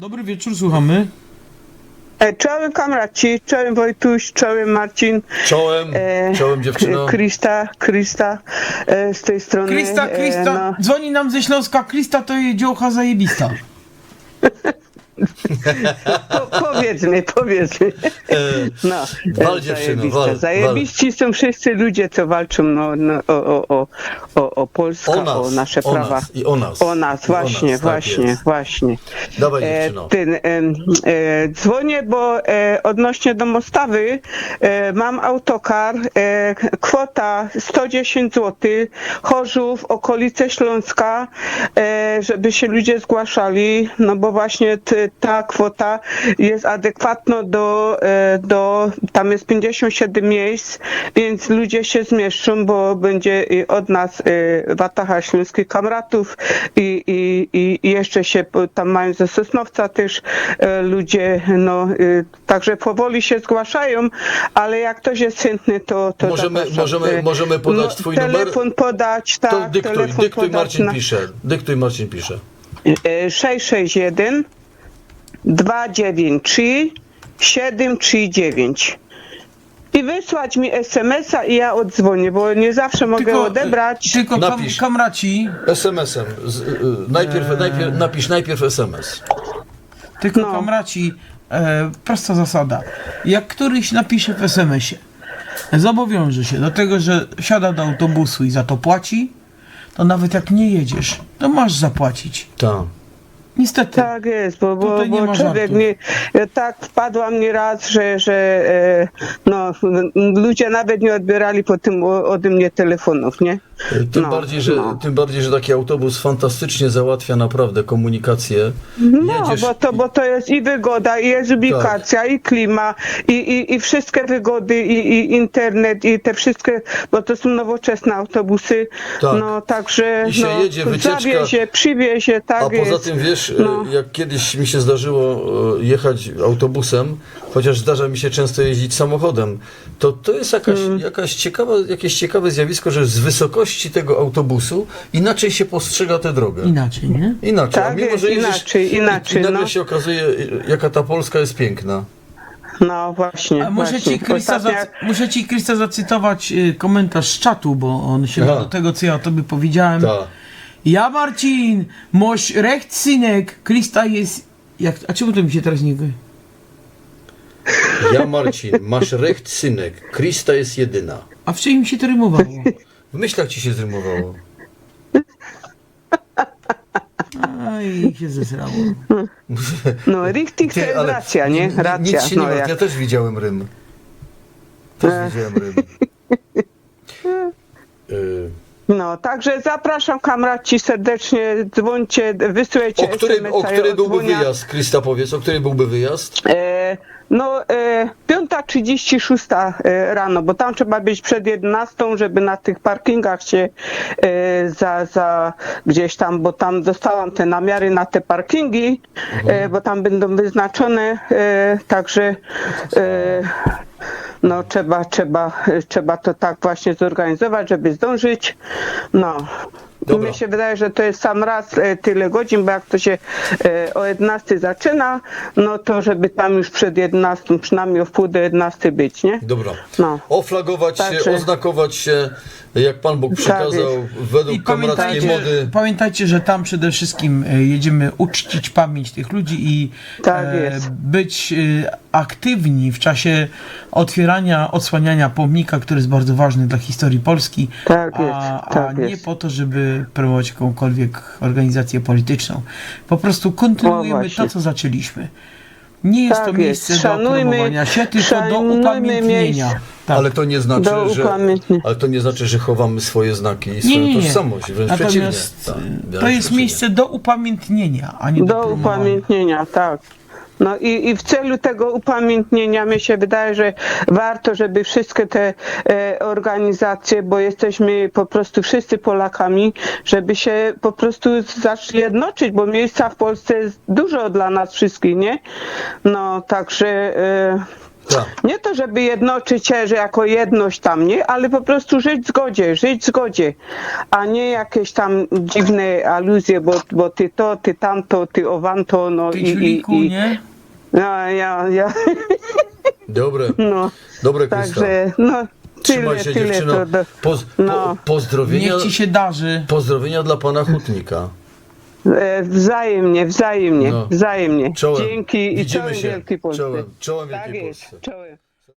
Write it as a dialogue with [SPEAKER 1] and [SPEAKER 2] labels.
[SPEAKER 1] Dobry wieczór, słuchamy.
[SPEAKER 2] Czołem kamraci, czołem Wojtuś, czołem Marcin.
[SPEAKER 3] Czołem dziewczyno.
[SPEAKER 2] Krista z tej strony.
[SPEAKER 1] Krista, dzwoni nam ze Śląska. Krista to jest dziołcha zajebista.
[SPEAKER 2] Powiedzmy. No,
[SPEAKER 3] Wal dziewczyno, wal.
[SPEAKER 2] Zajebiści są wszyscy ludzie, co walczą o Polskę, o nasze prawa.
[SPEAKER 3] Nas, i o nas.
[SPEAKER 2] O nas, właśnie.
[SPEAKER 3] Dawaj dziewczyno.
[SPEAKER 2] Dzwonię, bo odnośnie do Mostawy mam autokar, kwota 110 zł, Chorzów, okolice Śląska, żeby się ludzie zgłaszali, no bo właśnie ta kwota jest adekwatna do tam jest 57 miejsc, więc ludzie się zmieszczą, bo będzie od nas Wataha Śląskich Kamratów i jeszcze się tam mają ze Sosnowca też ludzie, no także powoli się zgłaszają, ale jak ktoś jest chętny, to
[SPEAKER 3] możemy podać twój
[SPEAKER 2] telefon
[SPEAKER 3] numer?
[SPEAKER 2] podać, tak.
[SPEAKER 3] To dyktuj, Marcin pisze. Dyktuj, Marcin pisze.
[SPEAKER 2] 661 293 739 i wysłać mi SMS-a i ja odzwonię, bo nie zawsze mogę odebrać.
[SPEAKER 1] Tylko kamraci.
[SPEAKER 3] SMS-em. Napisz najpierw SMS.
[SPEAKER 1] Tylko kamraci, prosta zasada. Jak któryś napisze w SMS-ie, zobowiąże się do tego, że siada do autobusu i za to płaci, to nawet jak nie jedziesz, to masz zapłacić.
[SPEAKER 3] Tak.
[SPEAKER 1] Niestety.
[SPEAKER 2] Tak jest, bo człowiek tak wpadłam nieraz, że ludzie nawet nie odbierali po tym ode mnie telefonów, nie?
[SPEAKER 3] Tym bardziej, że taki autobus fantastycznie załatwia naprawdę komunikację.
[SPEAKER 2] Bo to jest i wygoda, i jest ubikacja, i klima, i wszystkie wygody, i internet, i te wszystkie, bo to są nowoczesne autobusy. Tak. No także
[SPEAKER 3] i się jedzie, wycieczka,
[SPEAKER 2] zawiezie, przywiezie, tak.
[SPEAKER 3] A poza tym wiesz, jak kiedyś mi się zdarzyło jechać autobusem, chociaż zdarza mi się często jeździć samochodem, to jest jakieś ciekawe zjawisko, że z wysokości tego autobusu inaczej się postrzega tę drogę.
[SPEAKER 1] Inaczej, nie?
[SPEAKER 3] Inaczej.
[SPEAKER 2] Tak,
[SPEAKER 3] a mimo, że
[SPEAKER 2] inaczej.
[SPEAKER 3] I nagle się okazuje, jaka ta Polska jest piękna.
[SPEAKER 2] No właśnie.
[SPEAKER 1] A muszę ci, Krista, zacytować komentarz z czatu, bo on się ma do tego, co ja o tobie powiedziałem. Ja, Marcin, masz recht, synek, Krista jest... A czemu to mi się teraz nie...
[SPEAKER 3] Ja, Marcin, masz recht, synek, Krista jest jedyna.
[SPEAKER 1] A w czym mi się to rymowało?
[SPEAKER 3] W myślach ci się zrymowało.
[SPEAKER 1] Aj, się zesrało.
[SPEAKER 2] No, richtig to jest racja, nie? Racja.
[SPEAKER 3] Nic się nie ma, ja też widziałem rym.
[SPEAKER 2] No, także zapraszam kamraci serdecznie, dzwońcie, wysyłajcie SMS-a.
[SPEAKER 3] O który byłby wyjazd, Krista powiedz, o który byłby wyjazd?
[SPEAKER 2] 5:36 rano, bo tam trzeba być przed 11, żeby na tych parkingach się gdzieś tam, bo tam dostałam te namiary na te parkingi, bo tam będą wyznaczone, także no trzeba to tak właśnie zorganizować, żeby zdążyć. No. Mnie się wydaje, że to jest sam raz tyle godzin, bo jak to się o 11 zaczyna, no to żeby tam już przed 11, przynajmniej o wpół do 11 być, nie?
[SPEAKER 3] Dobra.
[SPEAKER 2] No.
[SPEAKER 3] Oflagować się, oznakować się, jak Pan Bóg przekazał, według kamrackiej mody.
[SPEAKER 1] Pamiętajcie, że tam przede wszystkim jedziemy uczcić pamięć tych ludzi i być aktywni w czasie otwierania, odsłaniania pomnika, który jest bardzo ważny dla historii Polski, nie po to, żeby promować jakąkolwiek organizację polityczną. Po prostu kontynuujemy to, co zaczęliśmy. Nie jest to miejsce do promowania się, tylko do upamiętnienia. Tak.
[SPEAKER 3] Ale to nie znaczy, że chowamy swoje znaki i swoją tożsamość. Wręcz przeciwnie.
[SPEAKER 1] To jest miejsce do upamiętnienia, a nie do
[SPEAKER 2] upamiętnienia, tak. No i w celu tego upamiętnienia mi się wydaje, że warto, żeby wszystkie te organizacje, bo jesteśmy po prostu wszyscy Polakami, żeby się po prostu zaczęli jednoczyć, bo miejsca w Polsce jest dużo dla nas wszystkich, nie? No także
[SPEAKER 3] Tak.
[SPEAKER 2] Nie to, żeby jednoczyć się, że jako jedność tam, nie? Ale po prostu żyć w zgodzie, a nie jakieś tam dziwne aluzje, bo ty to, ty tamto, ty owanto, no
[SPEAKER 1] Ty ciuliku, nie?
[SPEAKER 2] No, ja.
[SPEAKER 3] Dobre,
[SPEAKER 2] No,
[SPEAKER 3] dobre Krysta.
[SPEAKER 2] także, no,
[SPEAKER 3] Trzymaj się dziewczyno.
[SPEAKER 2] no.
[SPEAKER 3] Pozdrowienia,
[SPEAKER 1] Niech ci się darzy.
[SPEAKER 3] pozdrowienia dla pana Hutnika.
[SPEAKER 2] Wzajemnie,
[SPEAKER 3] No.
[SPEAKER 2] wzajemnie.
[SPEAKER 3] Czołem.
[SPEAKER 2] Dzięki i
[SPEAKER 3] Widzimy
[SPEAKER 2] czołem
[SPEAKER 3] się.
[SPEAKER 2] Wielkiej Polsce.
[SPEAKER 3] Czołem
[SPEAKER 2] Tak
[SPEAKER 3] Wielkiej
[SPEAKER 2] jest,
[SPEAKER 3] Polsce.
[SPEAKER 2] czołem.